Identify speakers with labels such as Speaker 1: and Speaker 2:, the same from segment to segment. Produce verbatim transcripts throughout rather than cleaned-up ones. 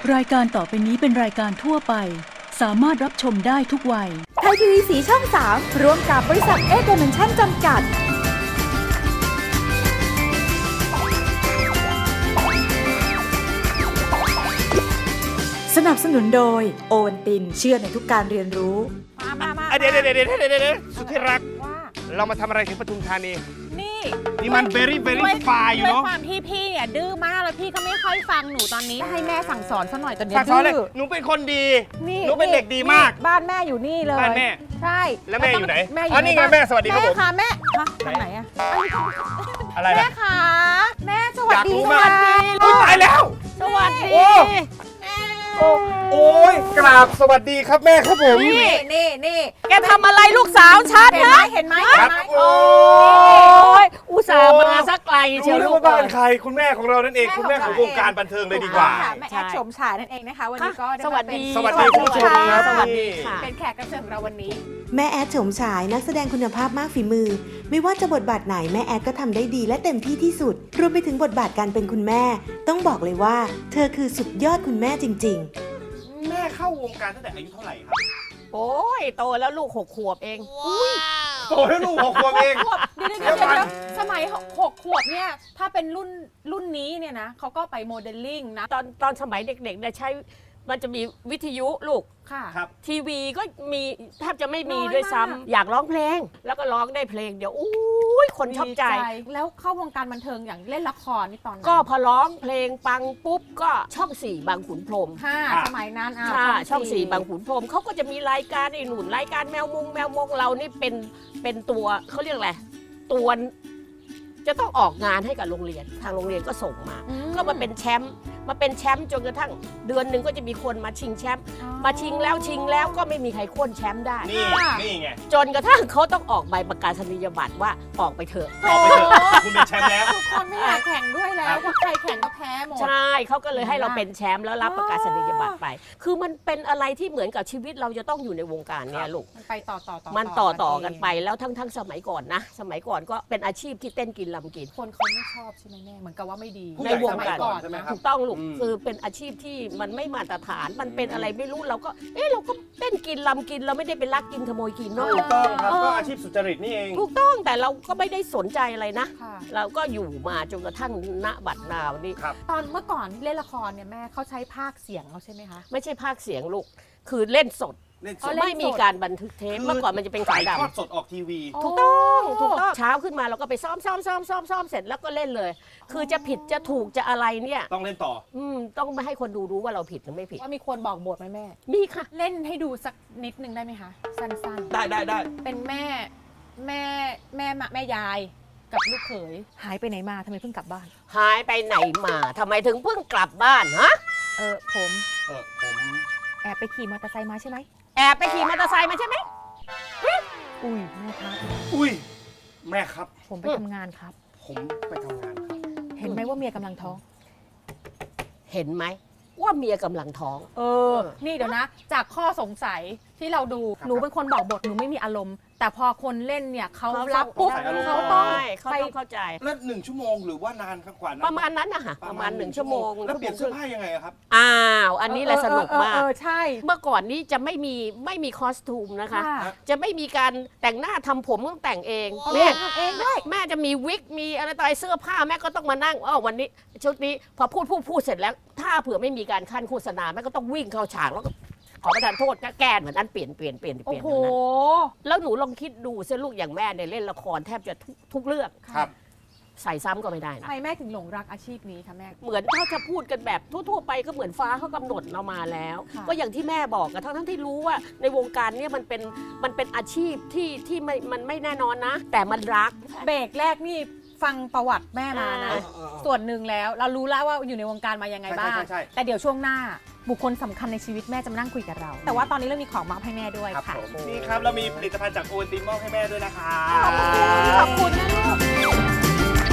Speaker 1: รายการต่อไปนี้เป็นรายการทั่วไปสามารถรับชมได้ทุกวัย
Speaker 2: ไทยทีวีสีช่องสามร่วมกับบริษัทเอเดเมนชั่นจำกัดสนับสนุนโดยโอวันตินเชื่อในทุกการเรียนรู้
Speaker 3: มามามา
Speaker 4: เดี๋ยวเดี๋ยวเดี๋ยวเดี๋ยวเดี๋ยวสุดที่รัก
Speaker 3: ว่า
Speaker 4: เรามาทำอะไรที่ปทุมธานี
Speaker 3: นี่
Speaker 4: นี่มัน very very far อยู่
Speaker 3: ด้วย
Speaker 4: เนาะ
Speaker 3: ความที่พี่เนี่ยดื้อมากแล้วพี่ก็ไม่ค่อยฟังหนูตอนนี้ให้แม่สั่งสอนซะหน่อยตอนนี้
Speaker 4: ฝากสอนเลย
Speaker 3: ดื้อ
Speaker 4: หนูเป็นคนดี
Speaker 3: นี่
Speaker 4: หนูเป็นเด็กดีมาก
Speaker 3: บ้านแม่อยู่นี่เลย
Speaker 4: บ้านแม่
Speaker 3: ใช่
Speaker 4: แล้วแม่อยู่ไหน
Speaker 3: แม่อ
Speaker 4: อ๋อยู่ นี่ไง
Speaker 3: ใบ้า
Speaker 4: แม่สวัสดีครับผม
Speaker 3: แม่ค่ะแม่ฮะทางไหนอะ
Speaker 4: อะไร
Speaker 3: แม่
Speaker 4: นะ
Speaker 3: ค่ะแม่สวัส
Speaker 4: อยาก
Speaker 3: ดี
Speaker 4: รู้
Speaker 3: ส
Speaker 4: มา
Speaker 3: วั
Speaker 4: ก
Speaker 3: สดี
Speaker 4: อุ๊ยตายแล้ว
Speaker 3: สวัสดี
Speaker 4: โอ้ โอ้โอ้ยกราบสวัสดีครับแม่ครับผม
Speaker 3: นี่นี่นี่
Speaker 5: แกทำอะไรลูกสาวฉัน
Speaker 3: เห็นไหม
Speaker 5: นะ
Speaker 3: เห็นไหม
Speaker 4: ค
Speaker 3: เห็
Speaker 4: รั
Speaker 3: น
Speaker 4: บ
Speaker 3: ไหม
Speaker 4: โอ้
Speaker 5: โอ้ยอุตส่าห์มาสักไกลเชียว
Speaker 4: รู้
Speaker 5: ลู
Speaker 4: ว่าก บ้าน
Speaker 5: เอ้ย
Speaker 4: ใครคุณแม่ของเรานั่นเองคุณแม่ของวงการบันเทิงเลยดีกว่า
Speaker 3: ค่ะแม่แอดโฉมฉายนั่นเองนะคะวันนี้ก็ไมา
Speaker 5: สวัสดี
Speaker 3: เป็น
Speaker 4: สวัสดีคุณผู้ชมครับ
Speaker 5: สวัสดีค่ะ
Speaker 3: เป็นแขกรับเชิญของเราวันนี้
Speaker 6: แม่แอดโฉมฉายนักแสดงคุณภาพมากฝีมือ ไม่ว่าจะบทบาทไหนแม่แอดก็ทำได้ดีและเต็มที่ที่สุด รวมไปถึงบทบาทการเป็นคุณแม่ ต้องบอกเลยว่า เธอคือสุดยอดคุณแม่จริงๆ
Speaker 4: แม่เข้าวงการตั้งแต่อายุเท่าไหร่ครับ
Speaker 5: โอ้ยโตแล้วลูกหกขวบเอง
Speaker 4: โตแล้วลูกหกขวบเอง
Speaker 3: ขวบเดี๋ยวเดี๋ยวเดี๋ยวเดี๋ยวสมัยหกขวบเนี่ยถ้าเป็นรุ่นรุ่นนี้เนี่ยนะเขาก็ไปโมเดลลิ่งนะ
Speaker 5: ตอนตอนสมัยเด็กๆเนี่ยใช้มันจะมีวิทยุลูก
Speaker 3: ค่ะ
Speaker 4: ครับ
Speaker 5: ทีวีก็มีแทบจะไม่มี
Speaker 3: น้อย
Speaker 5: ด้วยซ้ำ
Speaker 3: มาก
Speaker 5: อยากร้องเพลง แล้วก็ร้องได้เพลงเดี๋ยวอุ้ยคนชอบใจ
Speaker 3: แล้วเข้าวงการบันเทิงอย่างเล่นละครนี่ตอนนั้น
Speaker 5: ก็พอร้องเพลงปังปุ๊บก็ช่องสี่บางขุนพรหม
Speaker 3: ค่ะ
Speaker 4: ค่ะ
Speaker 3: สมัยนั้นอ่ะ
Speaker 5: ค่ะช่องสี่บางขุนพรหมเขาก็จะมีรายการไอ้หนุนรายการแมวมงแมวมงเรานี่เป็นเป็นตัวเขาเรียกอะไรตัวจะต้องออกงานให้กับโรงเรียนทางโรงเรียนก็ส่งมา
Speaker 3: อื
Speaker 5: ก็มาเป็นแชมป์มาเป็นแชมป์จนกระทั่งเดือนหนึ่งก็จะมีคนมาชิงแชมป์
Speaker 3: อ๋อ
Speaker 5: มาชิงแล้วชิงแล้วก็ไม่มีใครโค่นแชมป์ได้
Speaker 4: นี่นี่ไง
Speaker 5: จนกระทั่งเขาต้องออกใบประกาศนียบัตรว่าออกไปเถอะ
Speaker 4: ออกไปเถอะคุณเป็นแชมป์แล้ว
Speaker 3: ทุกคนไม่อยากแข่งด้วยแล้วเพราะใครแข่งก็แพ้หมด
Speaker 5: ใช่เขาก็เลยให้เรา
Speaker 3: เห็นไหม
Speaker 5: เป็นแชมป์แล้วรับประกาศนียบัตรไป คือมันเป็นอะไรที่เหมือนกับชีวิตเราจะต้องอยู่ในวงการเนี่ยลูก
Speaker 3: มันไปต่อต่อต่อ
Speaker 5: มันต่อต่อ
Speaker 3: เง
Speaker 5: กันไปแล้วทั้งทั้งสมัยก่อนนะ สมัยก่อนก็เป็นอาชีพที่เต้นกินลำกิน
Speaker 3: คนเขาไม่ชอบใช่ไหมแม่เหมือนกับว่าไม่ดี
Speaker 4: ผู้
Speaker 5: ใน
Speaker 4: ใหญ่
Speaker 5: วง
Speaker 3: สมัย
Speaker 5: การ
Speaker 3: ก่อน
Speaker 4: ใช่ไหม
Speaker 3: นะครับ
Speaker 5: ถูกต้องลูก
Speaker 4: อืม
Speaker 5: คือเป็นอาชีพที่มันไม่มาตรฐานมันเป็นอะไรไม่รู้เราก็เอ๊ะเราก็เต้นกินลำกินเราไม่ได้ไปลักกินขโมยกินเนาะ
Speaker 4: ถูกต้องครับก็อาชีพสุจริตนี่เอง
Speaker 5: ถูกต้องแต่เราก็ไม่ได้สนใจอะไรนะ
Speaker 3: ค่ะ
Speaker 5: เราก็อยู่มาจนกระทั่งณบัดนาวนี่
Speaker 4: ครับ
Speaker 3: ตอนเมื่อก่อนเล่นละครเนี่ยแม่เขาใช้ภาคเสียงเอาใช่ไหมคะ
Speaker 5: ไม่ใช่ภาคเสียงลูกคือเล่นสด
Speaker 4: เล่นส
Speaker 3: อ๋อ
Speaker 4: ด
Speaker 3: เล่น
Speaker 5: ไม่มีการบันทึกเทปเมื่อก่อนมันจะเป็นขาว
Speaker 4: ถ่ายทอด
Speaker 5: ดำ
Speaker 4: สดออกทีวี
Speaker 5: ถูกต้องถูกต้องเช้าขึ้นมาเราก็ไปซ้อมซ้อมซ้อมซ้อมซ้อมเสร็จแล้วก็เล่นเลย คือจะผิดจะถูกจะอะไรเนี่ย
Speaker 4: ต้องเล่นต่อ
Speaker 5: อืมต้องไม่ให้คนดูรู้ว่าเราผิดหรือไม่ผิด
Speaker 3: ว่ามีคนบอกบทไหมแม่
Speaker 5: มีค่ะ
Speaker 3: เล่นให้ดูสักนิดนึงได้ไหมคะ สั้น
Speaker 4: ได้ได้ได้
Speaker 3: ๆ เป็นแม่แม่แม่มาแม่ยายกับลูกเขยหายไปไหนมาทำไมเพิ่งกลับบ้าน
Speaker 5: หายไปไหนมาทำไมถึงเพิ่งกลับบ้านฮะ
Speaker 3: เออผม
Speaker 4: เออผม
Speaker 3: แอบไปขี่มอเตอร์ไซค์มาใช่ไหม
Speaker 5: แอบไปขี่มอเตอร์ไซค์มาใช่ไหม
Speaker 3: อุ้ยแม่ครับ
Speaker 4: อุ้ยแม่ครับ
Speaker 3: ผมไป
Speaker 5: อืม
Speaker 3: ทำงานครับ
Speaker 4: ผมไปทำงานครับ
Speaker 3: เห็นไหมว่าเมียกำลังท้อง
Speaker 5: เห็นไหมว่าเมียกำลังท้อง
Speaker 3: เออ นี่เดี๋ยวนะ จากข้อสงสัยที่เราดู
Speaker 4: ครับ
Speaker 3: หนูเป็นคนบอกบท หนูไม่มีอารมณ์ แต่พอคนเล่นเนี่ยเขา
Speaker 5: เขา
Speaker 3: รับปุ๊บ
Speaker 4: ใส่อารมณ์
Speaker 3: เขาต้อง
Speaker 5: ใช่เขา
Speaker 3: ไป
Speaker 5: ต้องเข้าใจ
Speaker 4: แล้วหนึ่งชั่วโมงหรือว่านานครับกว่านั้น
Speaker 5: ประมาณนั้นนะคะประมาณหนึ่งชั่วโมง
Speaker 4: แล้วเปลี่ยนเสื้อ
Speaker 5: ชั่วโมงครึ่ง
Speaker 4: ผ้ายังไงอะครับ
Speaker 5: อ้าวอันนี้แหละสนุกมาก
Speaker 3: เออเออเออใช่
Speaker 5: เมื่อก่อนนี้จะไม่มีไม่มีคอสตูมนะคะ
Speaker 3: ค่ะ
Speaker 5: จะไม่มีการแต่งหน้าทำผมต้องแต่งเอง
Speaker 3: เอา
Speaker 5: แม่
Speaker 3: ทำเองด้วย
Speaker 5: แม่จะมีวิกมีอะไรต่ออะไรเสื้อผ้าแม่ก็ต้องมานั่งอ๋อวันนี้ชุดนี้พอพูดพูดพูดเสร็จแล้ว ถ้าเผื่อไม่มีการขั้นโฆษณาแม่ก็ต้องวิ่งเข้าฉากแล้วก็ขอประทานโทษก็แก้เหมือนนั้นเปลี่ยนเปลี่ยนเปลี่ยนเป
Speaker 3: โอ้
Speaker 5: ลี่ยน
Speaker 3: โห
Speaker 5: เหมือนนั้นแล้วหนูลองคิดดูเส้นลูกอย่างแม่เนี่ยเล่นละครแทบจะทุกทุกเรื่อง
Speaker 4: ครับ
Speaker 5: ใส่ซ้ำก็ไม่ได้
Speaker 3: ทำ
Speaker 5: นะ
Speaker 3: ไมแม่ถึงหลงรักอาชีพนี้คะแม่
Speaker 5: เหมือนถ้าจะพูดกันแบบทั่วๆไปก็เหมือนฟ้าเขากำหนดเรามาแล้ว
Speaker 3: ค่ะ
Speaker 5: ก็อย่างที่แม่บอกอะทั้งทั้งที่รู้ว่าในวงการเนี่ยมันเป็นมันเป็นอาชีพที่ที่ไม่มันไม่แน่นอนนะ แต่มันรัก
Speaker 3: เบรกแรกนี่ฟังประวัติแม่มานะ
Speaker 5: อ่า
Speaker 3: ส่วนหนึ่งแล้วเรารู้แล้วว่าอยู่ในวงการมายังไงบ้าง
Speaker 4: ใช่ใช่ใช่
Speaker 3: แต่เดี๋ยวช่วงหน้าบุคคลสำคัญในชีวิตแม่จะมานั่งคุยกับเรา แต่ว่าตอนนี้เรามีของมาให้แม่ด้วย
Speaker 4: ครับ
Speaker 3: ค่ะ
Speaker 4: ผมนี่ครับเรามีผลิตภัณฑ์จากโอวัลตินมอบให้แม่ด้วยนะครับ
Speaker 3: ขอบคุณนะลูก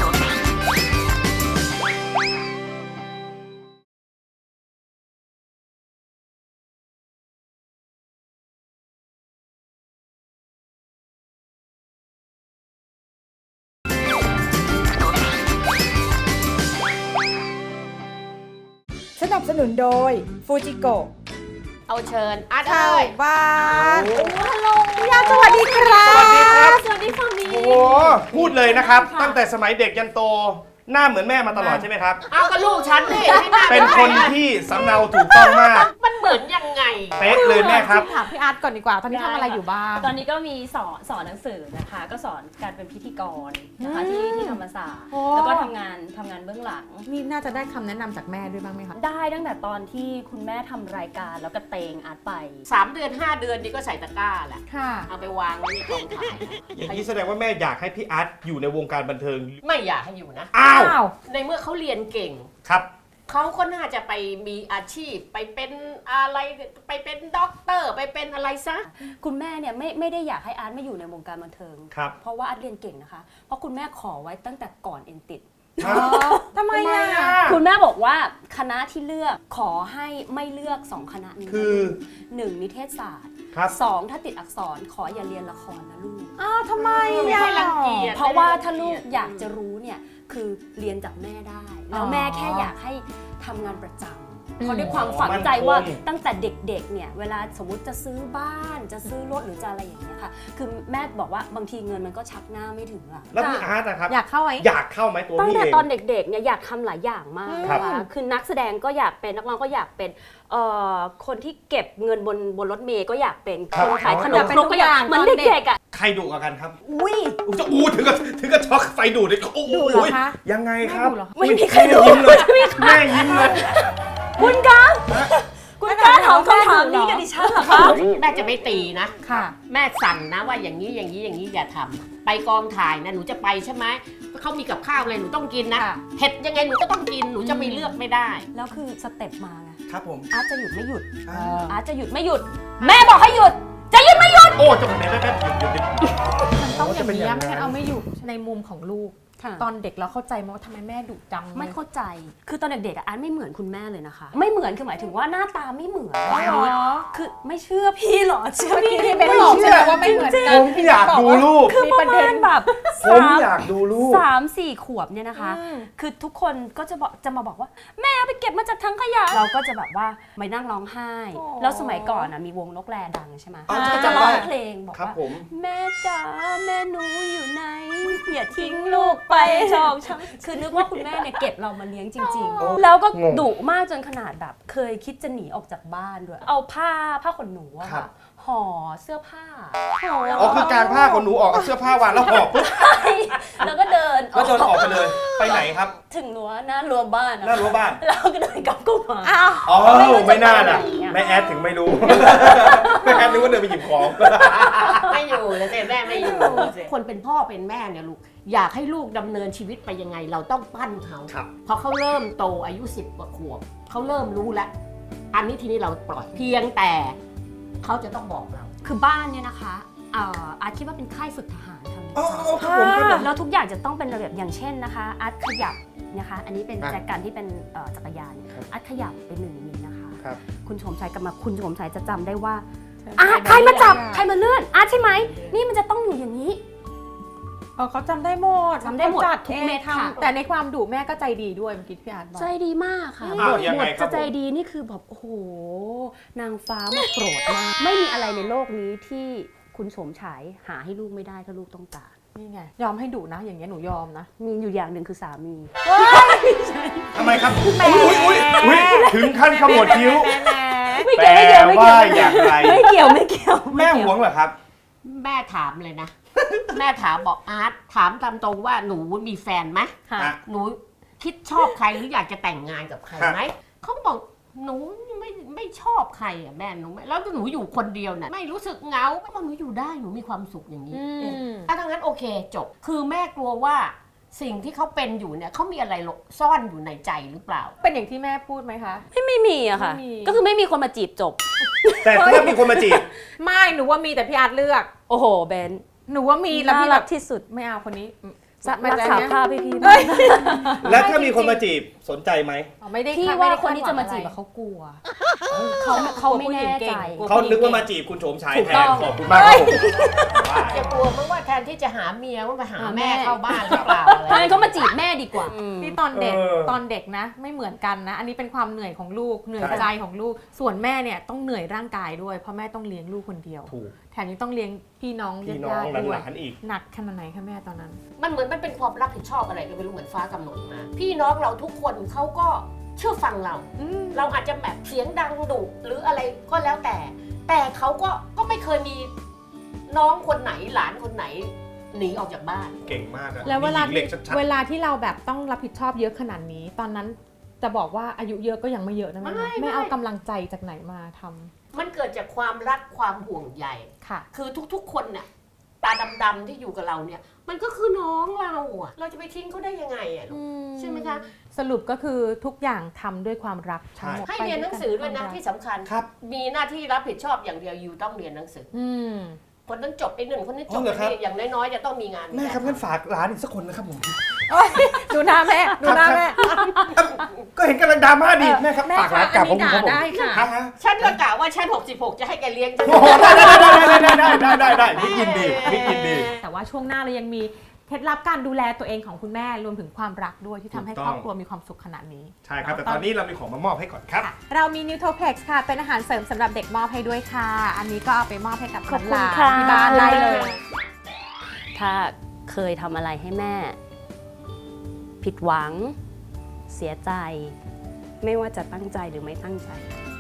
Speaker 2: สนับสนุนโดยฟูจิโกะ
Speaker 5: เอาเชิญอาร์ต
Speaker 2: เข้า
Speaker 5: เอ้ย
Speaker 2: บ้าน
Speaker 4: โอ้
Speaker 2: ฮัลโหลพี่อาร์ตสวัสดีครับ
Speaker 4: สวัสดีครับ
Speaker 2: สวัสดีฝั่งนี้
Speaker 4: โอ้โหพูดเลยนะครับ ตั้งแต่สมัยเด็กยันโต หน้าเหมือนแม่มาตลอดใช่ไหมครับ
Speaker 5: เอากับลูกฉันนี่ที่หา
Speaker 4: เป็นคนที่สำเนาถูกต้องมาก
Speaker 5: มันเหมือนยังไง
Speaker 4: เป๊ะเลยแม่ครับ
Speaker 3: ถามพี่อาร์ตก่อนดีกว่า ตอนนี้ทำอะไรอยู่บ้าง
Speaker 7: ตอนนี้ก็มีสอนสอนหนังสือนะคะ ก็สอนการเป็นพิธีกรนะคะที่ที่ธรรมศาสตร์
Speaker 3: โอ้
Speaker 7: แล้วก็ทำงานทำงานเบื้องหลัง
Speaker 3: นี่น่าจะได้คำแนะนำจากแม่ด้วยบ้างไหมคะ
Speaker 7: ได้ตั้งแต่ตอนที่คุณแม่ทำรายการแล้วก็เตงอาร์ตไป
Speaker 5: สามเดือนห้าเดือนนี่ก็ใส่ตะกร้าแหละ
Speaker 3: ค่ะ
Speaker 5: เอาไปวางไว้ในกองถ่าย
Speaker 4: อย่างนี้แสดงว่าแม่อยากให้พี่อาร์ตอยู่ในวงการบันเทิง
Speaker 5: ไม่อยากให้อยู่นะ
Speaker 4: อ้าว
Speaker 3: อ้าว
Speaker 5: ในเมื่อเขาเรียนเก่ง
Speaker 4: ครับ
Speaker 5: เขาก็น่าจะไปมีอาชีพ ไปเป็นอะไรไปเป็นด็อกเตอร์ ไปเป็นอะไรซะ
Speaker 7: คุณแม่เนี่ยไม่ไม่ได้อยากให้อาร์ตมาอยู่ในวงการบันเทิง
Speaker 4: ครับ
Speaker 7: เพราะว่าอาร์ตเรียนเก่งนะคะ เพราะคุณแม่ขอไว้ตั้งแต่ก่อนเอ็นติด
Speaker 3: ทำไมอ่ะ
Speaker 7: คุณแม่บอกว่าคณะที่เลือกขอให้ไม่เลือกสองคณะนี้
Speaker 4: คือ
Speaker 7: หนึ่งนิเทศศาสตร์
Speaker 4: ครับ
Speaker 7: สองถ้าติดอักษรขออย่าเรียนละครนะลูก
Speaker 3: อ้าวทำไม
Speaker 5: ไม่
Speaker 3: อ่ะ
Speaker 5: ให้รังเกียจ
Speaker 7: เพราะว่าถ้าลูกอยากจะรู้เนี่ยคือเรียนจากแม่ได้ แล้วแม่แค่อยากให้ทำงานประจำเพราะด้วยความฝังใจว่าตั้งแต่เด็กๆเนี่ยเวลาสมมติจะซื้อบ้านจะซื้อรถหรือจะอะไรอย่างเงี้ยค่ะคือแม่บอกว่าบางทีเงินมันก็ชักหน้าไม่ถึงอะ
Speaker 4: แล้วพี่อาร์ตนะครับ
Speaker 3: อยากเข้าไหม
Speaker 4: อยากเข้าไหมตัว
Speaker 7: ตั้ง
Speaker 4: พี่
Speaker 7: แต่
Speaker 4: เอง
Speaker 7: ตอนเด็กๆเนี่ยอยากทำหลายอย่างมาก
Speaker 4: ครับ
Speaker 7: นะคะคือนักแสดงก็อยากเป็นนักร้องก็อยากเป็นเอ่อคนที่เก็บเงินบนบนรถเมล์ก็อยากเป็น
Speaker 4: ครั
Speaker 7: ค
Speaker 4: บ
Speaker 7: นขายขนม
Speaker 3: เป็น
Speaker 7: ครก
Speaker 3: ทุก
Speaker 7: ก็อยาก
Speaker 3: อย่าง
Speaker 7: เหมือน
Speaker 3: ตอนเด็ก
Speaker 7: เด็กๆอ่ะ
Speaker 4: ใครดุกว่ากันครับ
Speaker 7: อุ้ย
Speaker 4: อุ๊ยจะอู้ถึงกับถึงกับช็อกไฟดูดเลยโอ้
Speaker 3: ดุเหรอคะ
Speaker 4: ยังไงครับ
Speaker 3: ไม่ดุเหรอ
Speaker 7: ไม่มีใครดู
Speaker 4: ยิ้มเลยแม่ยิ้มเลย
Speaker 7: คุณคะคุณกล้าถามคำถามนี้กับดิฉันเหรอคะ
Speaker 5: แม่จะไม่ตีนะ
Speaker 3: ค่ะ
Speaker 5: แม่สั่งนะว่าอย่างนี้อย่างนี้อย่างนี้อย่าทำไปกองถ่ายนะหนูจะไปใช่ไหมเขามีกับข้าวอะไรหนูต้องกินนะ
Speaker 3: ค่ะ
Speaker 5: เผ็ดยังไงหนูก็ต้องกินหนูจะไม่เลือกไม่ได้
Speaker 7: แล้วคือสเต็ปมาไง
Speaker 4: ครับผม
Speaker 7: อาร์ตจะหยุดไม่หยุด
Speaker 4: อ่า
Speaker 7: อาร์ตจะหยุดไม่หยุด แม่บอกให้หยุด จะหยุดไม่หยุด
Speaker 4: โอ้จะเป็นแม่แป๊บๆหยุดหยุดหยุด
Speaker 3: มันต้องอย่างนี้
Speaker 4: จะเป็นอย่างนั้น
Speaker 3: ไม่งั้นเอาไม่อยู่ในมุมของลูก
Speaker 7: ค่ะ
Speaker 3: ตอนเด็กเราเข้าใจไหมว่าทำไมแม่ดุจัง
Speaker 7: ไม่เข้าใจ คือตอนเด็กๆอะอาร์ตไม่เหมือนคุณแม่เลยนะคะ ไม่เหมือนคือหมายถึงว่าหน้าตาไม่เหมือน
Speaker 3: อ๋อ
Speaker 7: คือไม่เชื่อพี่หรอ เชื่อ
Speaker 3: เมื่อ
Speaker 7: พี่
Speaker 3: กี้ที่เป็นบอกใช่ไหมว่าไม่เหมือนกัน
Speaker 4: ผมอยากดูรูป
Speaker 7: คือประมาณแบบ
Speaker 4: ผม
Speaker 7: สาม
Speaker 4: อยากดูรูป
Speaker 7: สามสี่ขวบเนี่ยนะคะ
Speaker 3: อืม
Speaker 7: คือทุกคนก็จะบอกจะมาบอกว่า แม่เอาไปเก็บมาจากถังขยะ เราก็จะแบบว่าไปนั่งร้องไห้
Speaker 3: โอ้
Speaker 7: แล้วสมัยก่อนนะมีวงนกแรดังใช่ไหม
Speaker 4: อ๋อ
Speaker 7: ก็
Speaker 4: จำ
Speaker 7: จะ
Speaker 4: ได้
Speaker 7: ร้องเพลงบอก
Speaker 4: ครับ
Speaker 7: ว่า
Speaker 4: ผม
Speaker 7: แม่จ๋าแม่หนูอยู่ไหนอย่าทิ้งลูกไปชอกช้ำคือนึกว่าคุณแม่เนี่ยเก็บเรามาเลี้ยงจริง
Speaker 4: โอ้
Speaker 7: ๆ แล้วก็
Speaker 4: งง
Speaker 7: ดุมากจนขนาดแบบ เคยคิดจะหนีออกจากบ้านด้วย เอาผ้าผ้าขนหนูอะ
Speaker 4: ครั
Speaker 7: ค่ะ
Speaker 4: บ
Speaker 7: ห่อเสื้อผ้า
Speaker 4: อ๋อคือการผ้าของหนูออกเอาเสื้อผ้าวางแล้วหอบปุ๊บ
Speaker 7: แล้วก็เดิน
Speaker 4: แล้วเดินออกไปเลย ไปไหนครับ
Speaker 7: ถึงรั้วหน้ารั้วบ้านอะ
Speaker 4: หน้ารั้วบ้าน
Speaker 7: แล้วก็เดินกลับเข้ามา
Speaker 3: อ้าว
Speaker 4: อ๋อ
Speaker 7: ไม่รู้จะ
Speaker 4: ไม่น่าน่ะ
Speaker 7: ไปไหนอะ
Speaker 4: แม่แอดถึงไม่รู้ แม่แอดนึกว่าเดินไปหยิบของ
Speaker 5: ไม่อยู่แล้วแต่แม่ไม่อยู่ คนเป็นพ่อเป็นแม่เนี่ยลูกอยากให้ลูกดำเนินชีวิตไปยังไง เราต้องปั้นเขา
Speaker 4: ครับ
Speaker 5: พอเขาเริ่มโตอายุสิบกว่าขวบเขาเริ่มรู้แล้ว อันนี้ทีนี้เราปล่อยเพียงแต่เขาจะต้องบอกเรา
Speaker 7: คือบ้านเนี่ยนะคะเอ่ออาร์ตคิดว่าเป็นค่ายฝึกทหารค่ะ
Speaker 4: อ๋อครับผมครับผม
Speaker 7: แล้วทุกอย่างจะต้องเป็นระเบียบอย่างเช่นนะคะ อาร์ตขยับนะคะ อันนี้เป็น
Speaker 4: อ่ะ
Speaker 7: แจกันที่เป็นเอ่อจักรยาน
Speaker 4: ครับ
Speaker 7: อาร์ตขยับไปหนึ่งมิลนะคะ
Speaker 4: ครับ
Speaker 7: คุณโฉมชัยกลับมาคุณโฉมชัยจะจำได้ว่าอาร์ตใครมาจับใครมาเลื่อนอาร์ตใช่ไหมนี่มันจะต้องอยู่อย่างนี้
Speaker 3: เออเขาจำได้หมด
Speaker 7: จำได้หมด
Speaker 3: ขาจั
Speaker 7: ทุกเม็ด
Speaker 3: อง
Speaker 7: ค่ะ
Speaker 3: ทำแต่ในความดุแม่ก็ใจดีด้วยเมื่อกี้พี่อาร์ตบอก
Speaker 7: ใจดีมากค่ะ
Speaker 4: อ้าว
Speaker 7: บท
Speaker 4: ยัง
Speaker 7: บ
Speaker 4: ไง
Speaker 7: ท
Speaker 4: ครับ
Speaker 7: จะใจดีนี่คือแบบโอ้โหนางฟ้ามาโปรดมากไม่มีอะไรในโลกนี้ที่คุณโฉมฉายหาให้ลูกไม่ได้ถ้าลูกต้องการ
Speaker 3: นี่ไงยอมให้ดุนะ อย่างเงี้ยหนูยอมนะ
Speaker 7: มีอยู่อย่างหนึ่งคือสามี
Speaker 4: ทำไมครับ อุ้ยอุ้ยอุ้ยถึงขั้นขมวดคิ้ว
Speaker 7: ไม่
Speaker 4: แปล
Speaker 7: เกี่ยวไม่เกี่ยวไม่เกี่ยว
Speaker 4: ว่าอย่างไร
Speaker 7: ไม่เกี่ยวไม่เกี่ยว
Speaker 4: แม่หวงเหรอครับ
Speaker 5: แม่ถามเลยนะ แม่ถามบอกอาร์ตถามตามตรงว่าหนูมีแฟนไหม
Speaker 7: ค่ะ
Speaker 4: อ่ะ
Speaker 5: หนูคิดชอบใครหรืออยากจะแต่งงานกับใครไหมเขาบอกหนูไม่ไม่ชอบใครอ่ะแม่หนูไม่แล้วหนูอยู่คนเดียวน่ะไม่รู้สึกเหงาเพราะหนูอยู่ได้หนูมีความสุขอย่างนี้
Speaker 3: อืม
Speaker 5: ถ้าทั้งนั้นโอเคจบ คือแม่กลัวว่าสิ่งที่เขาเป็นอยู่เนี่ยเขามีอะไรหลบซ่อนอยู่ในใจหรือเปล่า
Speaker 3: เป็นอย่างที่แม่พูดไหมคะ
Speaker 7: ไม่ไม่มีอะค่ะ
Speaker 3: ไม่มี
Speaker 7: ก็คือไม่มีคนมาจีบจบ
Speaker 4: แต่ถ้ามีคนมาจีบ
Speaker 3: ไม่หนูว่ามีแต่พี่อาร์ตเลือก
Speaker 7: โอ้โหเบน
Speaker 3: หนูว่ามีแล้ว
Speaker 7: น่า
Speaker 3: พี่แบ
Speaker 7: รับ กที่สุด
Speaker 3: ไม่เอาคนนี้อืม
Speaker 7: จะ
Speaker 3: ไม่
Speaker 7: รัก
Speaker 3: ได้
Speaker 7: ษา
Speaker 3: นะ
Speaker 7: ภาพพี่พี่
Speaker 3: เฮ้ย
Speaker 4: แล้วถ้ามีคนมาจีบสนใจไหม
Speaker 3: อ๋อไม่ได้
Speaker 7: พี่
Speaker 3: ไม่
Speaker 7: ว่า
Speaker 3: ได้
Speaker 7: คนที่จะมาจีบ
Speaker 3: คดหวังอ
Speaker 7: อะเขากลัวเขาเขาไม่แน่ใจ
Speaker 4: เขานึกว่ามาจีบคุณโฉมฉาย
Speaker 7: ถูก
Speaker 4: แท
Speaker 7: ต้
Speaker 4: น
Speaker 7: อง
Speaker 4: ขอบคุณมากครับผม
Speaker 5: จะกลัวมั้งว่าแทนที่จะหาเมียว่ามาหา
Speaker 7: หาแม่
Speaker 5: แม่เข้าบ้านหรือเปล่าอะไร
Speaker 7: เพราะงั้นเขามาจีบแม่ดีกว่า
Speaker 3: ที่ตอนเด็ก
Speaker 4: เออ
Speaker 3: ตอนเด็กนะ ไม่เหมือนกันนะ อันนี้เป็นความเหนื่อยของลูกเหนื่อย
Speaker 4: ใช่
Speaker 3: ใจของลูก ส่วนแม่เนี่ยต้องเหนื่อยร่างกายด้วยเพราะแม่ต้องเลี้ยงลูกคนเดียว
Speaker 4: ถูก
Speaker 3: แถมยังต้องเลี้ยงพี่น้อง
Speaker 4: พี่น้อง
Speaker 3: ญาติๆด้วย
Speaker 4: หลานๆอีก
Speaker 3: หนักขนาดไหนคะแม่ตอนนั้น
Speaker 5: มันเหมือนมันเป็นความรับผิดชอบอะไรก็ไม่รู้เหมือนฟ้ากำหนดมา พี่น้องเราทุกคนเขาก็เชื่อฟังเรา เราอาจจะแบบเสียงดังดุหรืออะไรก็แล้วแต่ แต่เขาก็ก็ไม่เคยมีน้องคนไหนหลานคนไหนหนีออกจากบ้าน
Speaker 4: เก่งมากอะ
Speaker 3: แล้วเวลา
Speaker 4: มีหญิงเหล็กชัด
Speaker 3: เวลาที่เราแบบต้องรับผิดชอบเยอะขนาดนี้ ตอนนั้นจะบอกว่าอายุเยอะก็ยังไม่เยอะนะแม่
Speaker 5: ไม่
Speaker 3: แม่
Speaker 5: ไม่
Speaker 3: เอากำลังใจจากไหนมาทำ
Speaker 5: มันเกิดจากความรักความห่วงใย
Speaker 3: ค่ะ
Speaker 5: คือทุกๆ คนเนี่ยตาดำๆที่อยู่กับเราเนี่ย มันก็คือน้องเราอะเราจะไปทิ้งเขาได้ยังไงอะลูกใช่ไหมคะ
Speaker 3: สรุปก็คือทุกอย่างทำด้วยความรักทั้งหมด
Speaker 5: ให้เรียนหนังสือด้วยนะ
Speaker 3: ไป
Speaker 5: ที่สำคัญ
Speaker 4: ครับ
Speaker 5: มีหน้าที่รับผิดชอบอย่างเดียวอยู่ต้องเรียนหนังสือ
Speaker 3: อืม
Speaker 5: คนต้องจบไอ้หนึ่งคนนี้จ
Speaker 4: อ๋
Speaker 5: บ
Speaker 4: อเหรอครับ
Speaker 5: ไอ้นี่อย่างน้อยๆจะต้องมีงาน
Speaker 4: แม่ครับงั้นฝากร้านอีกสักคนนะครับผม
Speaker 3: ดูหน้าแม่ดูหน้าแม่
Speaker 4: ก็เห็นกำลังดราม่าดีแม่ครับ
Speaker 3: แม่
Speaker 4: ฝากร้านกับผม
Speaker 3: คะอันนี้
Speaker 4: ครับผม
Speaker 3: ด่าได้ค่ะ
Speaker 4: ฮฮ
Speaker 5: ฉันก็กะว่าฉันหกสิบหกจะให้แกเลี้ยงฉัน
Speaker 4: โอ้โหได้ได้ได้ได้ได้ได้ได้ได้มิกยินดีมิกยินดี
Speaker 3: แต่ว่าช่วงหน้าเรายังมีเคล็ดลับการดูแลตัวเองของคุณแม่รวมถึงความรักด้วยที่ทำให้
Speaker 4: ถูก
Speaker 3: ค
Speaker 4: ต้
Speaker 3: ร
Speaker 4: อง
Speaker 3: อบครัวมีความสุขขนาดนี้
Speaker 4: ใช่ครับ แต่ตอนนี้เรามีของมามอบให้ก่อนครับ
Speaker 3: เรามี Nutroflex ค่ะ เป็นอาหารเสริมสำหรับเด็กมอบให้ด้วยค่ะ อันนี้ก็เอาไปมอบให้กับ
Speaker 7: ขอบคุณ
Speaker 3: หลานๆ
Speaker 7: ค่ะ
Speaker 3: ที่บ้านได้เลย
Speaker 7: ถ้าเคยทำอะไรให้แม่ ผิดหวัง เสียใจ ไม่ว่าจะตั้งใจหรือไม่ตั้งใจ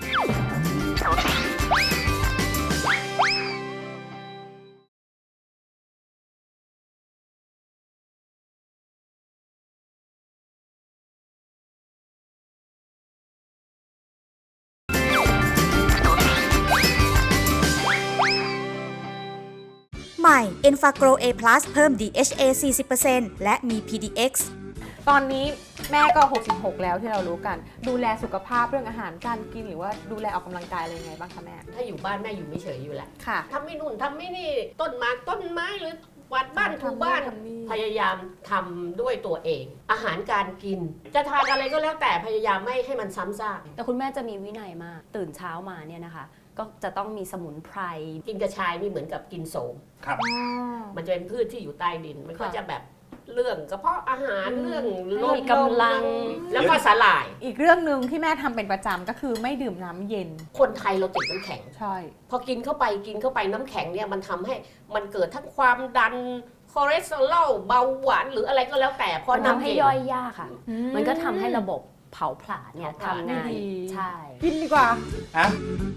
Speaker 2: ใหม่ Enfagro A+ เพิ่ม ดี เอช เอ สี่สิบเปอร์เซ็นต์ และมี พี ดี เอ็กซ์
Speaker 3: ตอนนี้แม่ก็ หกสิบหก แล้วที่เรารู้กัน ดูแลสุขภาพเรื่องอาหารการกินหรือว่าดูแลออกกำลังกายอะไรยังไงบ้างคะแม่
Speaker 5: ถ้าอยู่บ้านแม่อยู่ไม่เฉยอยู่แหละ
Speaker 3: ค่ะ
Speaker 5: ทำไม่นู่นทำไม่นี่ต้นไม้ต้นไม้หรือกวาดบ้านถูบ้าน
Speaker 3: ทำนี่
Speaker 5: พยายามทำด้วยตัวเอง อาหารการกิน จะทานอะไรก็แล้วแต่พยายามไม่ให้มันซ้ำซาก
Speaker 7: แต่คุณแม่จะมีวินัยมาก ตื่นเช้ามาเนี่ยนะคะ ก็จะต้องมีสมุนไพร
Speaker 5: กินกระชายนี่เหมือนกับกินโสม
Speaker 4: ครับ
Speaker 5: มันจะเป็นพืชที่อยู่ใต้ดิน มันก็
Speaker 3: ค่ะ
Speaker 5: จะแบบเรื่องกระเพาะอาหาร
Speaker 3: อืม
Speaker 5: เรื่อง
Speaker 7: ให้มีกำลัง
Speaker 5: แล้วก็สาหร่าย
Speaker 3: อีกเรื่องหนึ่งที่แม่ทำเป็นประจำก็คือไม่ดื่มน้ำเย็น
Speaker 5: คนไทยเราติดน้ำแข็ง
Speaker 3: ใช่
Speaker 5: พอกินเข้าไปกินเข้าไปน้ำแข็งเนี่ยมันทำให้มันเกิดทั้งความดันคอเลสเตอรอลเบาหวานหรืออะไรก็แล้วแต่เพราะ
Speaker 7: มันทำให้
Speaker 5: น้ำเย็น
Speaker 7: ย่อยยากค่ะ
Speaker 3: อืม
Speaker 7: มันก็ทำให้ระบบเผาผลาญเนี่ย
Speaker 5: เผาผลาญ
Speaker 7: ทำงาน
Speaker 3: ไม่ดี
Speaker 7: ใช่
Speaker 3: กินดีกว่า
Speaker 4: ฮะ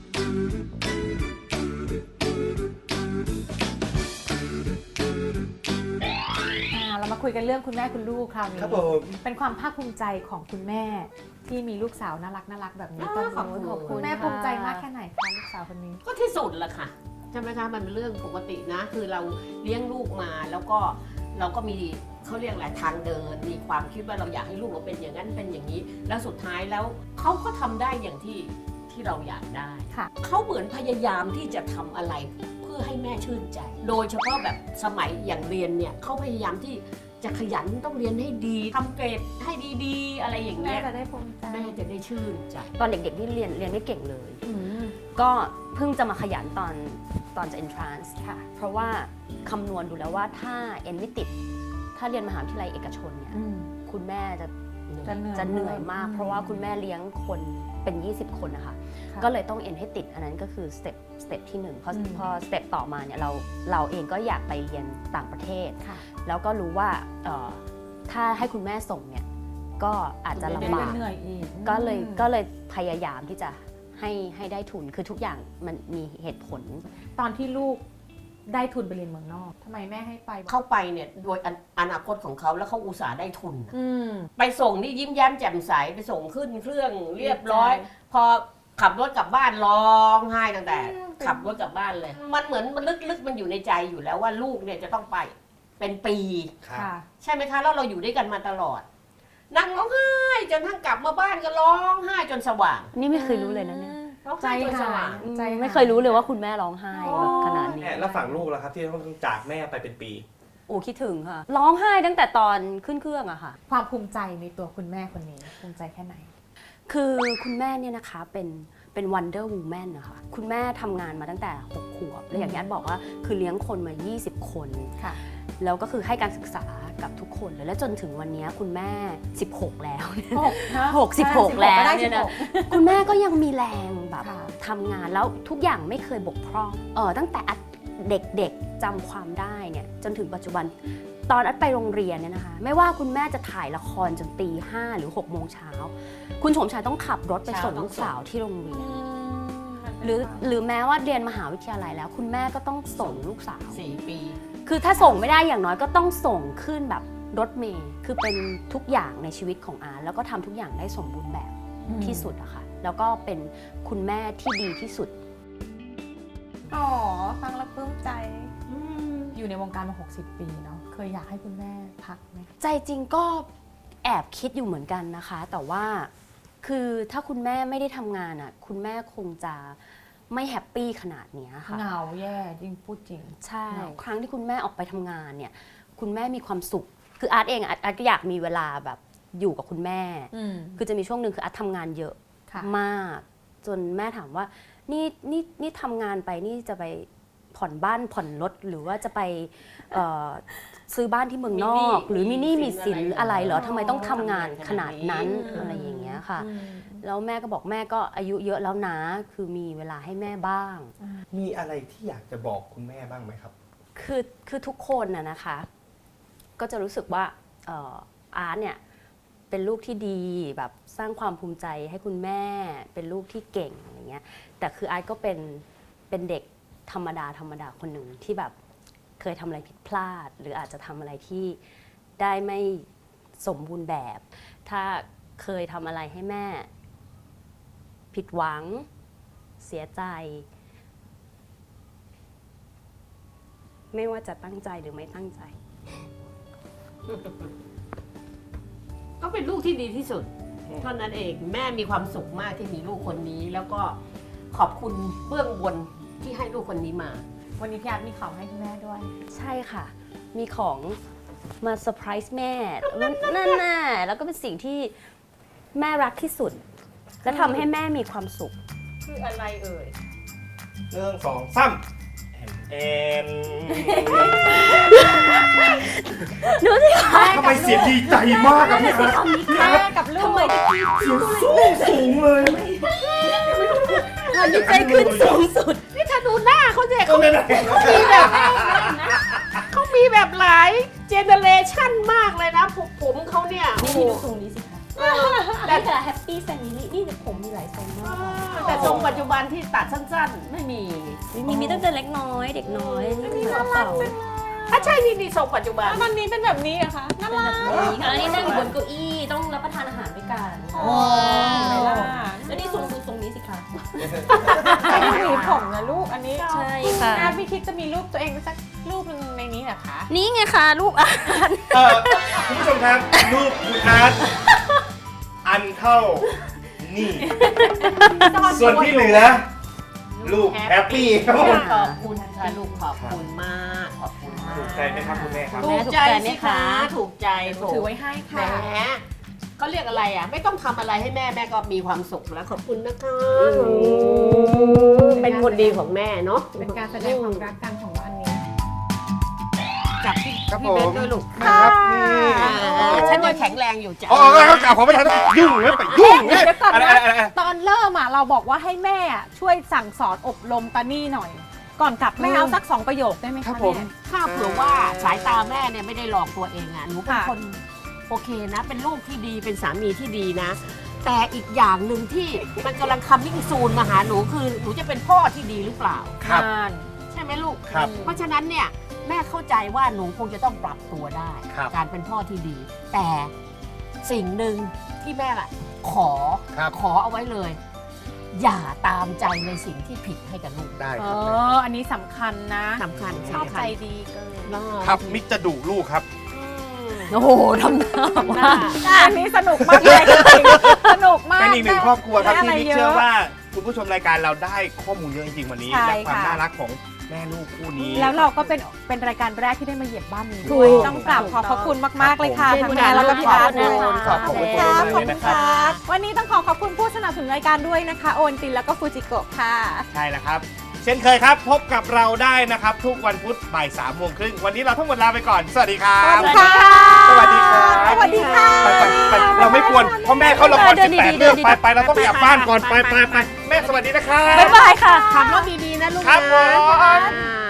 Speaker 3: อ่าเรามาคุยกันเรื่องคุณแม่คุณลูกคราวนี้
Speaker 4: ครับผม
Speaker 3: เป็นความภาคภูมิใจของคุณแม่ที่มีลูกสาวน่ารักน่ารักแบบนี้ตอน
Speaker 5: ขอบคุณ
Speaker 3: นี้คุณแม่ภูมิใจมากแค่ไหนคะลูกสาวคนนี้
Speaker 5: ก็ที่สุดแหละค่ะใช่ไหมคะมันเป็นเรื่องปกตินะ คือเราเลี้ยงลูกมาแล้วก็เราก็มีเขาเรียกอะไรทางเดิน มีความคิดว่าเราอยากให้ลูกเราเป็นอย่างนั้นเป็นอย่างนี้ แล้วสุดท้ายแล้วเขาก็ทำได้อย่างที่ที่เราอยากได้
Speaker 3: ค่ะ
Speaker 5: เขาเหมือนพยายามที่จะทำอะไรเพื่อให้แม่ชื่นใจ โดยเฉพาะแบบสมัยอย่างเรียนเนี่ยเขาพยายามที่จะขยันต้องเรียนให้ดีทำเกรดให้ดีๆ อะไรอย่าง
Speaker 3: แม่
Speaker 5: เงี้ย
Speaker 3: จะได้ภูมิใจ
Speaker 5: แม่จะได้ชื่นใจ
Speaker 7: ตอนเด็กๆที่เรียนเรียนไม่เก่งเลย
Speaker 3: อืม
Speaker 7: ก็เพิ่งจะมาขยันตอนตอนจะ entrance
Speaker 3: ค่ะ
Speaker 7: เพราะว่าคำนวณดูแล้วว่าถ้าเอ็นไม่ติด ถ้าเรียนมหาวิทยาลัยเอกชนเนี่ย
Speaker 3: อืม
Speaker 7: คุณแม่จะ
Speaker 3: จะเหนื่อย
Speaker 7: จะเหนื่อยมาก
Speaker 3: อืม
Speaker 7: เพราะว่าคุณแม่เลี้ยงคนเป็น ยี่สิบ คนนะคะ
Speaker 3: ค่ะ
Speaker 7: ก็เลยต้องเอ็นให้ติดอันนั้นก็คือสเต็ปสเต็ปที่หนึ่งพอ
Speaker 3: อืม
Speaker 7: พอสเต็ปต่อมาเนี่ยเราเราเองก็อยากไปเรียนต่างประเทศ
Speaker 3: ค่ะ
Speaker 7: แล้วก็รู้ว่าเอ่อถ้าให้คุณแม่ส่งเนี่ยก็อาจจะลำบาก
Speaker 3: เหนื่อยอีก
Speaker 7: ก็เลย
Speaker 3: อืม
Speaker 7: ก็เลยพยายามที่จะให้ให้ได้ทุนคือทุกอย่างมันมีเหตุผล
Speaker 3: ตอนที่ลูกได้ทุนไปเรียนเมืองนอกทำไมแม่ให้ไป
Speaker 5: เข้าไปเนี่ยโดยอนาคตของเขาแล้วเขาอุตส่าห์ได้ทุน
Speaker 3: อืม
Speaker 5: ไปส่งนี่ยิ้มแย้มแจ่มใสไปส่งขึ้นเครื่องเรียบร้อย พอขับรถกลับบ้านร้องไห้ตั้งแต่ ขับรถกลับบ้านเลย มันเหมือนมันลึกๆมันอยู่ในใจอยู่แล้วว่าลูกเนี่ยจะต้องไปเป็นปี
Speaker 4: ครับ
Speaker 3: ค่ะ
Speaker 5: ใช่ไหมคะแล้วเราอยู่ด้วยกันมาตลอดนั่งร้องไห้จนทั้งกลับมาบ้านก็ร้องไห้จนสว่าง
Speaker 7: นี่ไม่เคยรู้เลยนะเนี่ย
Speaker 5: ร้อง
Speaker 3: ใจ
Speaker 5: ไห้จนส
Speaker 3: หา
Speaker 5: ว่าย ง
Speaker 3: ใจหา
Speaker 7: ไม่เคยรู้เลยว่าคุณแม่ร้องไห้แบบขนาดนี้
Speaker 4: แม่แล้วฝั่งลูกล่ะครับที่ต้องจากแม่ไปเป็นปี
Speaker 7: โอ้คิดถึงค่ะ ร้องไห้ตั้งแต่ตอนขึ้นเครื่องอะค่ะ
Speaker 3: ความภูมิใจในตัวคุณแม่คนนี้ภูมิใจแค่ไหน
Speaker 7: คือคุณแม่เนี่ยนะคะเป็นเป็น Wonder Woman นะคะคุณแม่ทำงานมาตั้งแต่หกขวบและอย่างที่อันบอกว่าคือเลี้ยงคนมายี่สิบคน
Speaker 3: ค่ะ
Speaker 7: แล้วก็คือให้การศึกษากับทุกคนเลยและจนถึงวันนี้คุณแม่สิบหกแล้วเนี่ย
Speaker 3: หกนะ
Speaker 7: หกสิบหกแล้ว
Speaker 3: ได้
Speaker 7: เนี่ย
Speaker 3: สิบ
Speaker 7: นะ
Speaker 3: หก
Speaker 7: คุณแม่ก็ยังมีแรงแบบ
Speaker 3: ค่ะ
Speaker 7: ทำงานแล้วทุกอย่างไม่เคยบกพร่องเออตั้งแต่อัดเด็กๆจำความได้เนี่ยจนถึงปัจจุบันตอนอัดไปโรงเรียนเนี่ยนะคะไม่ว่าคุณแม่จะถ่ายละครจนตีห้าหรือหกโมงเช้าคุณโฉมชายต้องขับรถไปส่งลูกสาวที่โรงเรียน หรือหรือแม้ว่าเรียนมหาวิทยาลัยแล้ว คุณแม่ก็ต้องส่งลูกสาว
Speaker 5: สี่ปี
Speaker 7: คือถ้าส่งไม่ได้อย่างน้อยก็ต้องส่งขึ้นแบบรถเมล์คือเป็นทุกอย่างในชีวิตของอาร์ตแล้วก็ทำทุกอย่างได้สมบูรณ์แบบที่สุดอะค่ะแล้วก็เป็นคุณแม่ที่ดีที่สุด
Speaker 3: อ๋อฟังแล้วปลื้มใจอยู่ในวงการมาหกสิบปีเนาะเคยอยากให้คุณแม่พักไหม
Speaker 7: ใจจริงก็แอบคิดอยู่เหมือนกันนะคะ แต่ว่าคือถ้าคุณแม่ไม่ได้ทำงานอะคุณแม่คงจะไม่แฮปปี้ขนาดเนี้ยค่ะ
Speaker 3: เหงาแย่จริงพูดจริง
Speaker 7: ใช่
Speaker 3: เหงา
Speaker 7: ครั้งที่คุณแม่ออกไปทำงานเนี่ยคุณแม่มีความสุขคืออาร์ตเองอาร์ตอาร์ตก็อยากมีเวลาแบบอยู่กับคุณแม่
Speaker 3: อืม
Speaker 7: คือจะมีช่วงหนึ่งคืออาร์ตทำงานเยอะ
Speaker 3: ค่ะ
Speaker 7: มาก จนแม่ถามว่านี่นี่นี่ทำงานไปนี่จะไปผ่อนบ้านผ่อนรถหรือว่าจะไปเอ่อซื้อบ้านที่เมืองนอก หรือมินี่มีสินอะไรเหรอทำไมต้องทำงานขนาดนั้นอะไรอย่างเงี้ยค่ะ
Speaker 3: อืม
Speaker 7: แล้วแม่ก็บอกแม่ก็อายุเยอะแล้วนะคือมีเวลาให้แม่บ้าง
Speaker 4: มีอะไรที่อยากจะบอกคุณแม่บ้างไหมครับ
Speaker 7: คือคือทุกคนน่ะนะคะ ก็จะรู้สึกว่าเอ่ออาร์ตเนี่ยเป็นลูกที่ดีแบบสร้างความภูมิใจให้คุณแม่ เป็นลูกที่เก่งอะไรเงี้ยแต่คืออาร์ตก็เป็นเป็นเด็กธรรมดาธรรมดาคนหนึ่งที่แบบเคยทำอะไรผิดพลาด หรืออาจจะทำอะไรที่ได้ไม่สมบูรณ์แบบ ถ้าเคยทำอะไรให้แม่ ผิดหวังเสียใจ ไม่ว่าจะตั้งใจหรือไม่ตั้งใจ
Speaker 5: ก็เป็นลูกที่ดีที่สุดเท่านั้นเองแม่มีความสุขมากที่มีลูกคนนี้ แล้วก็ขอบคุณเบื้องบนที่ให้ลูกคนนี้มา
Speaker 3: วันนี้พี่อาร์ตมีของให้คุณแม่ด้วย
Speaker 7: ใช่ค่ะ มีของมาเซอร์ไพรส์แม่นั่นน่ะแล้วก็เป็นสิ่งที่แม่รักที่สุด และทำให้แม่มีความสุข
Speaker 5: คืออะไรเอ่ย
Speaker 4: เรื่องสองสามแอน
Speaker 7: ดูสิคะ
Speaker 4: ทำไมเสียงดีใจมากอะพี่อาร์ต
Speaker 3: แม่กับลูก
Speaker 7: ทำไมตะกี้
Speaker 4: เสียงสูงสูงเลย
Speaker 7: ดีใจขึ้นสูงสุด
Speaker 5: นี่ถ้าดูหน้าเขาเนี่ย
Speaker 4: ก็
Speaker 5: เขา
Speaker 4: ไม่ได้
Speaker 5: มีแบบเขามีแบบหลายเจเนเรชันมากเลยนะผมผมเขาเนี่ยโอ้โห
Speaker 7: นี่ดูทรงนี้สิคะแต่แต่แฮปปี้แฟมิลี่นี่ผมมีหลายทรงมาก
Speaker 5: แต่ทรงปัจจุบันที่ตัดสั้นๆ ไม่มี
Speaker 7: มีมีตั้งแต่เล็กน้อยเด็กน้อยนี่คือกระเป๋า
Speaker 5: ถ้าใช่นี่นี่ทรงปัจจุบัน
Speaker 3: ตอนนี้เป็นแบบนี้เหรอะคะน่ารัก
Speaker 7: นี่ค่ะแล้วนี่นั่งอยู่บนเก้าอี้ต้องรับประทานอาหารด้วยกัน
Speaker 3: โอ้ย
Speaker 7: แล้วนี่ทรงดูทรงนี้สิคะ
Speaker 3: แต่ดูหวีผมนะลูกอันนี้
Speaker 7: ใช่ค่ะ
Speaker 3: อาร์ตไม่คิดจะมีรูปตัวเองสักรูปหนึงในนี้เหรอคะ
Speaker 7: นี่ไงคะรูปอาร์ต
Speaker 4: เออคุณผู้ชมครับรูปคุณอาร์ตอันเท่านี่ ส่วนที่เหลือ ลูกแฮปปี้ครับผม
Speaker 5: ขอบคุณค่ะลูกขอบคุณมากขอบคุณมาก
Speaker 4: ถูกใจไหมครับคุณแม่ครับ
Speaker 5: ถูกใจสิคะถูกใจถูก
Speaker 3: ถือไว้ให้
Speaker 5: แหม
Speaker 3: ค่ะ
Speaker 5: เขาเรียกอะไรอ่ะ ไม่ต้องทำอะไรให้แม่แม่ก็มีความสุขแล้วขอบคุณนะคะเป็นคนดีของแม่เนาะ
Speaker 3: เป็นการแสดงความรักกันของวันนี้
Speaker 5: จับพี่
Speaker 4: ครับ
Speaker 5: พี่
Speaker 4: ผม
Speaker 5: เบนด้วยลูก
Speaker 4: นะครับนี่
Speaker 5: อ่าฉันยังแข็งแรงอยู่จ้ะ
Speaker 4: อ๋อครับกล่าวขอไม่ทันยุ่งเลยไปยุ่งเลย
Speaker 3: เดี๋ยวก่อน
Speaker 4: อะไร
Speaker 3: นะ
Speaker 4: อะไรอะไร
Speaker 3: ตอนเริ่มอ่ะเราบอกว่าให้แม่อ่ะช่วยสั่งสอนอบรมตานี่หน่อย ก่อนกลับแม่เอาสักสองประโยคได้ไหม
Speaker 4: ครั
Speaker 3: คะ
Speaker 4: บผม
Speaker 3: แม่
Speaker 5: ถ้าเผื่อว่าสายตาแม่เนี่ยไม่ได้หลอกตัวเองอ่ะหนูเป็น
Speaker 3: ค่ะ
Speaker 5: คนโอเคนะ เป็นลูกที่ดีเป็นสามีที่ดีนะ แต่อีกอย่างหนึ่งที่มันกำลังคัมมิ่งซูนมาหาหนูคือหนูจะเป็นพ่อที่ดีหรือเปล่า
Speaker 4: ครับ
Speaker 3: อ่าน
Speaker 5: ใช่ไหมลูก
Speaker 4: ครับ
Speaker 5: เพราะฉะนั้นเนี่ยแม่เข้าใจว่าหนูคงจะต้องปรับตัวได้
Speaker 4: ครับ
Speaker 5: การเป็นพ่อที่ดี แต่สิ่งหนึ่งที่แม่อะขอ
Speaker 4: ครับ
Speaker 5: ขอเอาไว้เลย อย่าตามใจในสิ่งที่ผิดให้กับลูก
Speaker 4: ได้
Speaker 3: เอ
Speaker 4: ครับ
Speaker 3: อ อันนี้สำคัญนะ
Speaker 5: สำคัญ
Speaker 3: ชอบ
Speaker 5: สำ
Speaker 3: ใจ
Speaker 5: คัญ
Speaker 3: ดีเกิน
Speaker 5: เนอะ
Speaker 4: ครับมิกจะดุลูกครับ
Speaker 5: อืม
Speaker 7: โอ้โหทำหน้าว่า
Speaker 3: อันนี้สนุกมากเลยจริงๆสนุกมาก
Speaker 4: เป็นอีกหนึ่งครอบครัวครับ
Speaker 3: ได้
Speaker 4: ที่
Speaker 3: อะไร
Speaker 4: นิก
Speaker 3: เยอะ
Speaker 4: เชื่อว่าคุณผู้ชมรายการเราได้ข้อมูลเยอะจริงๆวันนี้
Speaker 3: ใช่
Speaker 4: และความ
Speaker 3: ค่ะ
Speaker 4: น่ารักของแม่ลูกคู่นี้
Speaker 3: แล้วเราก็เป็นเป็นรายการแรกที่ได้มาเหยียบบ้านนี้
Speaker 7: ถู
Speaker 3: ด้วย
Speaker 7: ก
Speaker 3: ต้องกราบขอบพระคุณมากๆเลยค่ะ
Speaker 7: ขอบ
Speaker 3: ทั้ง
Speaker 7: คุณ
Speaker 3: แม่แล้วก็พี่อาร์ต
Speaker 7: ขอบคุณ
Speaker 3: ด้วย
Speaker 7: ค่ะ
Speaker 4: ขอบคุณ
Speaker 3: ค
Speaker 4: มาก
Speaker 3: รับ
Speaker 4: ๆ
Speaker 3: ขอบ
Speaker 4: เลย
Speaker 3: คุ
Speaker 4: นะ
Speaker 3: ณ
Speaker 4: ค
Speaker 3: ครับ รับ วันนี้ต้องขอขอบคุณผู้สนับสนุนรายการด้วยนะคะ โอนตินแล้วก็ฟูจิโกะค่ะ
Speaker 4: ใช่แล้วครับ เช่นเคยครับพบกับเราได้นะครับ ทุกวันพุธบ่ายสามโมงครึ่งวันนี้เราทั้งหมดลาไปก่อน สวัสดีครับ
Speaker 3: สวัสดีค่ะ
Speaker 4: สวัสดีครับ
Speaker 3: สวัสดีค่ะ
Speaker 4: ไปไปไปเราไม่ควรเพราะแม่เขาละคร
Speaker 7: เดิ
Speaker 4: สิ
Speaker 7: น
Speaker 4: บ
Speaker 7: ดี
Speaker 4: แปด
Speaker 7: ๆ
Speaker 4: เรื่อง
Speaker 7: เดินดีๆ
Speaker 4: ไปไปเราต้องกลับบ้านก่อนไปไปไปแม่สวัสดีนะครับ
Speaker 7: บ๊ายบายค่ะ
Speaker 5: ขับรถดีๆนะลูก
Speaker 4: ครับ
Speaker 5: นะ
Speaker 4: ผม
Speaker 5: อ่า